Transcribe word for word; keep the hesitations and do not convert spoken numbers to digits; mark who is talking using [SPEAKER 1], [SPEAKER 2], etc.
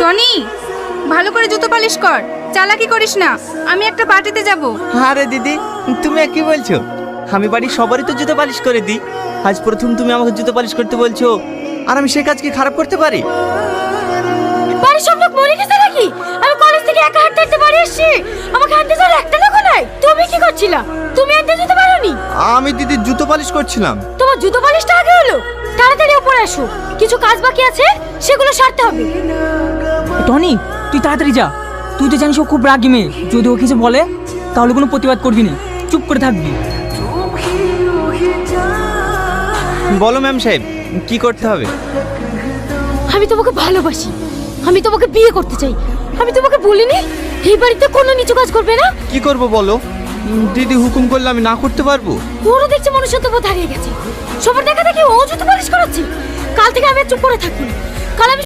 [SPEAKER 1] Tony, ভালো করে জুতো পালিশ কর, চালাকি করিস না। আমি একটা পার্টিতে যাব।
[SPEAKER 2] আরে দিদি, তুমি কি বলছো? আমি বাড়ির সবারই তো জুতো পালিশ করে দিই। আজ প্রথম তুমি আমাকে জুতো পালিশ করতে বলছো, আর আমি সে কাজ কি খারাপ করতে পারি?
[SPEAKER 3] বাড়ির সব লোক মরে গেছে নাকি? আমি কলেজ থেকে একা হাঁটতে হাঁটতে বাড়ি আসছি, আমাকে হাঁটতে যাওয়ার একটা লোক নাই। তুমি কি করছিলা? তুমি হাঁটতে যেতে পারোনি?
[SPEAKER 2] আমি দিদি জুতো পালিশ করছিলাম।
[SPEAKER 3] তোমার জুতো পালিশটা আগে হলো। তাড়াতাড়ি উপরে আসো, কিছু কাজ বাকি আছে, সেগুলো সারতে হবে।
[SPEAKER 4] টনি, তুই তাড়াতাড়ি যা। তুই তো জানিস ও খুব রাগী মেয়ে। যদি ও কিছু বলে তাহলে কোনো প্রতিবাদ করবি না, চুপ করে থাকবি।
[SPEAKER 2] বলো ম্যাম সাহেব, কি করতে হবে?
[SPEAKER 3] আমি তোমাকে ভালোবাসি, আমি তোমাকে বিয়ে করতে চাই। আমি তোমাকে বলিনি এই বাড়িতে কোনো নিচু কাজ করবে না?
[SPEAKER 2] কি করব বলো? দিদি হুকুম করলে আমি না করতে পারবো?
[SPEAKER 3] ওরও দেখছি মনুষ্যত্ব বোধ হারিয়ে গেছে। সবার দেখা দেখি ও জুতো পালিশ করাচ্ছে। কাল থেকে আমি আর চুপ করে থাকবো না। কাল আমি